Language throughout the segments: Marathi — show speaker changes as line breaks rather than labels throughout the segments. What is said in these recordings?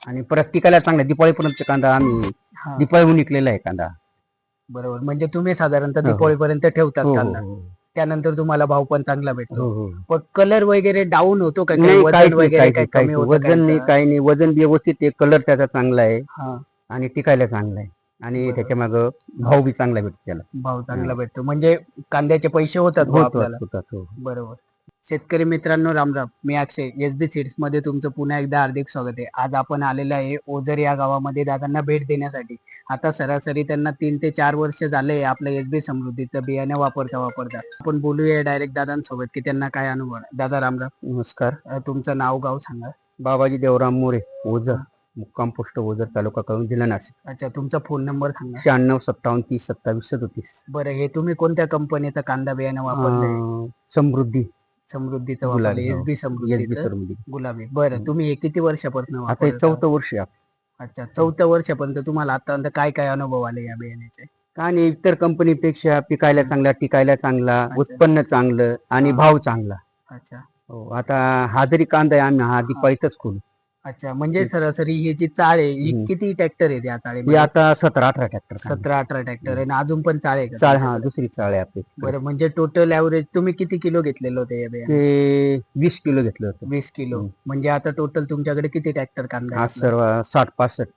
आणि परत टिकायला चांगला दिपाळीपर्यंत कांदा आम्ही
हा
दिपाळीहून निघलेला आहे कांदा.
बरोबर. म्हणजे तुम्ही साधारणतः
हो, हो.
दिपाळीपर्यंत ठेवतात
हो हो
कांदा.
हो
त्यानंतर तुम्हाला भाव पण चांगला
हो
भेटतो.
हो.
पण कलर वगैरे डाऊन होतो का? काही
नाही,
वजन
काहीच नाही,
वगैरे
काहीच
काही
नाही, काहीच
कमी
नाही.
होतं
वजन नाही,
काहींचं?
काही नाही. वजन व्यवस्थित आहे, कलर त्याचा चांगला आहे
हा
आणि टिकायला चांगला आहे आणि
बरोबर.
त्याच्या मागं भाव बी चांगला भेटतो त्याला.
भाव चांगला भेटतो. म्हणजे कांद्याचे पैसे होतात बुवा
होतो
आपल्याला.
होतात हो.
बरोबर. शेतकरी मित्रांनो रामराम. मी अक्षय एसबी सीड्स मध्ये तुमचं पुन्हा एकदा हार्दिक स्वागत आहे. आज आपण आलेलो आहे ओझर या गावामध्ये दादांना भेट देण्यासाठी. आता सरासरी त्यांना 3 ते 4 वर्ष झाले आपलं एसबी समृद्धीचं बियाणं वापरता. आपण बोलूया डायरेक्ट दादांसोबत की त्यांना काय अनुभव आहे. दादा रामराम.
नमस्कार.
तुमचं नाव गाव सांगा.
बाबाजी देवराम मोरे, ओझर, मुक्काम पोस्ट ओझर, तालुका कळवण, जिल्हा नाशिक.
अच्छा, तुमचा फोन नंबर सांगा.
96 57 30 27 37.
बरं, हे तुम्ही कोणत्या कंपनीचं कांदा बियाणं वापरलंय?
समृद्धी
समृद्धीचं
गुलाबी,
वापरलं.
हो.
एसबी समृद्धीचं
समृद्धी.
गुलाबी. बरं, तुम्ही हे किती वर्षापासून
आता हे
वापरता?
4थं वर्ष आहे.
अच्छा, 4थ्या वर्षापर्यंत तुम्हाला आतापर्यंत काय काय अनुभव आले या बियाण्याचे?
का नाही, इतर कंपनीपेक्षा पिकायला चांगला, टिकायला चांगला,
अच्छा.
उत्पन्न चांगलं आणि
हा.
भाव चांगला.
अच्छा
हो, आता हा जरी कांदा आहे आम्ही हा दिपाळीतच खोलू.
अच्छा, म्हणजे सरासरी ही जी चाळ आहे ही
हम्म.
किती ट्रॅक्टर आहे त्या
ही
चाळीमध्ये?
आता 17-18 ट्रॅक्टर
17-18 ट्रॅक्टर आहे आणि अजून पण चाळ आहे का
चाळ, हा
तुमच्याकडे?
दुसरी चाळ आहे आपली.
बरं, म्हणजे टोटल ऍव्हरेज तुम्ही किती किलो घेतलेलं होतं या बियाणे?
ते 20 किलो घेतलं होतं.
20 किलो.
हम्म.
म्हणजे आता टोटल तुमच्याकडे किती ट्रॅक्टर कांदा
हा
आहे आपला?
सर्व 60-65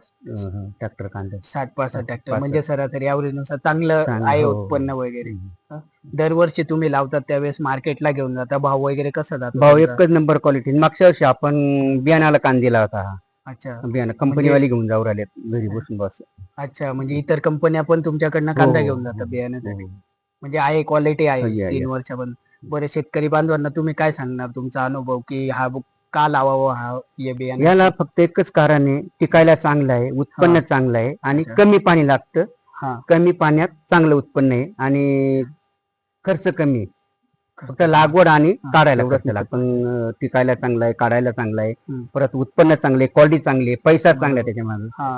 ट्रॅक्टर कांदा.
60-65 ट्रॅक्टर.
65.
म्हणजे सरासरी ऍव्हरेज नुसार चांगलं
चांगलं,
आहे
हो, हो.
उत्पन्न वगैरे.
हम्म.
दरवर्षी तुम्ही लावतात त्यावेळेस मार्केटला घेऊन जाता, भाव वगैरे कसा जातो
भाव
तुमचा?
एकच नंबर क्वालिटी. मागच्या वर्षी आपण बियाणाला कांदा दिला होता हा.
अच्छा
बियाणं कंपनीवाली घेऊन जाऊ राहिले घरी बसून बस.
अच्छा, म्हणजे इतर कंपन्या पण तुमच्याकडनं
हो,
कांदा
हो,
घेऊन
हो,
जातात
हो.
बियाण्यासाठी. म्हणजे आहे, क्वालिटी आहे
हो, या,
3
या.
वर्षापर्यंत. बरं, शेतकरी बांधवांना तुम्ही काय सांगणार तुमचा अनुभव की हा का लावावा हा हे बियाणं?
याला फक्त एकच कारण आहे, टिकायला चांगलं आहे, उत्पन्न चांगलं आहे आणि
अच्छा.
कमी पाणी लागतं.
हा
कमी पाण्यात चांगलं उत्पन्न आहे आणि खर्च कमी आहे. फक्त लागवड आणि काढायला खर्च लागतो. पण टिकायला चांगला आहे, काढायला चांगला आहे,
हम्म.
परत उत्पन्न चांगलं आहे, क्वालिटी चांगली आहे, पैसा चांगला
बरोबर.
आहे त्याच्यामध्ये.
हा.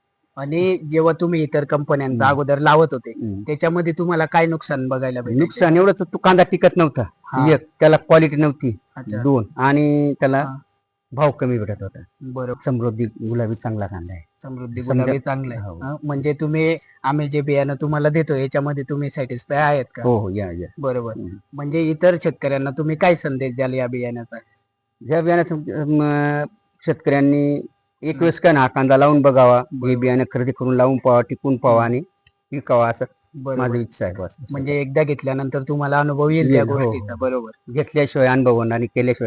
आणि जेव्हा तुम्ही इतर कंपन्यांचा
हम्म.
अगोदर लावत होते
हम्म.
त्याच्यामध्ये तुम्हाला काय नुकसान बघायला भेटायचे?
नुकसान एवढंच, तो कांदा टिकत नव्हता.
हा.
एक, त्याला क्वालिटी नव्हती.
अच्छा.
2, आणि त्याला
हा.
भाव कमी भेटत होता.
बरोबर.
समृद्धी गुलाबी चांगला कांदा आहे.
समृद्धी
समजा-
गुलाबी चांगलं आहे.
हो.
हा, म्हणजे तुम्ही आम्ही जे बियाणं तुम्हाला देतो याच्यामध्ये तुम्ही सॅटिस्फाय आहेत का?
हो हो, या या.
बरोबर.
हम्म.
म्हणजे इतर शेतकऱ्यांना तुम्ही काय संदेश द्याल या बियाण्याचा?
ज्या बियाण्याचं शेतकऱ्यांनी एक वेळेस काय ना कांदा लावून बघावा, हे
बरोबर.
बियाणं खरेदी करून लावून पावा, टिकून पावा आणि विकावा, असं माझी
बरोबर.
इच्छा आहे बस.
म्हणजे एकदा घेतल्यानंतर तुम्हाला अनुभव येईल त्या
येईल, हो, हो.
गोष्टीचा. बरोबर
घेतल्याशिवाय अनुभव होणार आणि केल्याशिवाय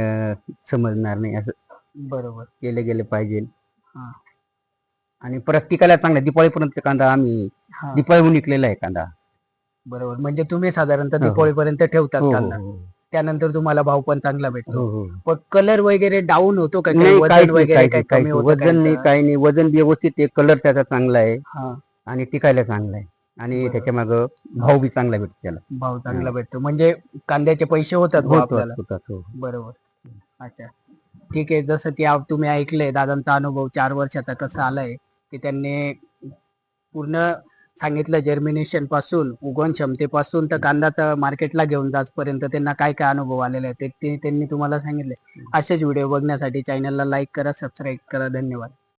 समजणार नाही. असं
बरोबर.
केले गेले पाहिजे.
हा
आणि परत टिकायला चांगला दिपाळीपर्यंत कांदा आम्ही
हा
दिपाळीहून निघलेला आहे कांदा.
बरोबर. म्हणजे तुम्ही साधारणतः
हो, हो.
दिपाळीपर्यंत ठेवतात
हो
कांदा.
हो
त्यानंतर तुम्हाला भाव पण चांगला भेटतो.
हो हो.
पण कलर वगैरे डाऊन होतो का? काही
नाही,
वजन
काहीच नाही,
वगैरे
काहीच
काही
नाही,
कमी
काहीच नाही.
होतं
वजन नाही,
काहींचं?
काही नाही. वजन व्यवस्थित आहे, कलर त्याचा चांगला आहे
हा
आणि टिकायला चांगला आहे आणि
बरोबर.
त्याच्या मागं भाव बी चांगला भेटतो त्याला.
भाव चांगला भेटतो. म्हणजे कांद्याचे पैसे होतात बुवा आपल्याला.
होतात, हो.
बरोबर. अच्छा, ठीक आहे. जसं की तुम्ही ऐकलंय दादांचा अनुभव 4 वर्षाचा कसा आलाय की त्यांनी पूर्ण सांगितलं, जर्मिनेशन पासून उगवण क्षमतेपासून तर कांदा मार्केटला घेऊन जाचपर्यंत त्यांना काय काय अनुभव आलेले आहेत ते त्यांनी तुम्हाला सांगितले. असेच व्हिडिओ बघण्यासाठी चॅनलला लाईक करा, सबस्क्राईब करा. धन्यवाद.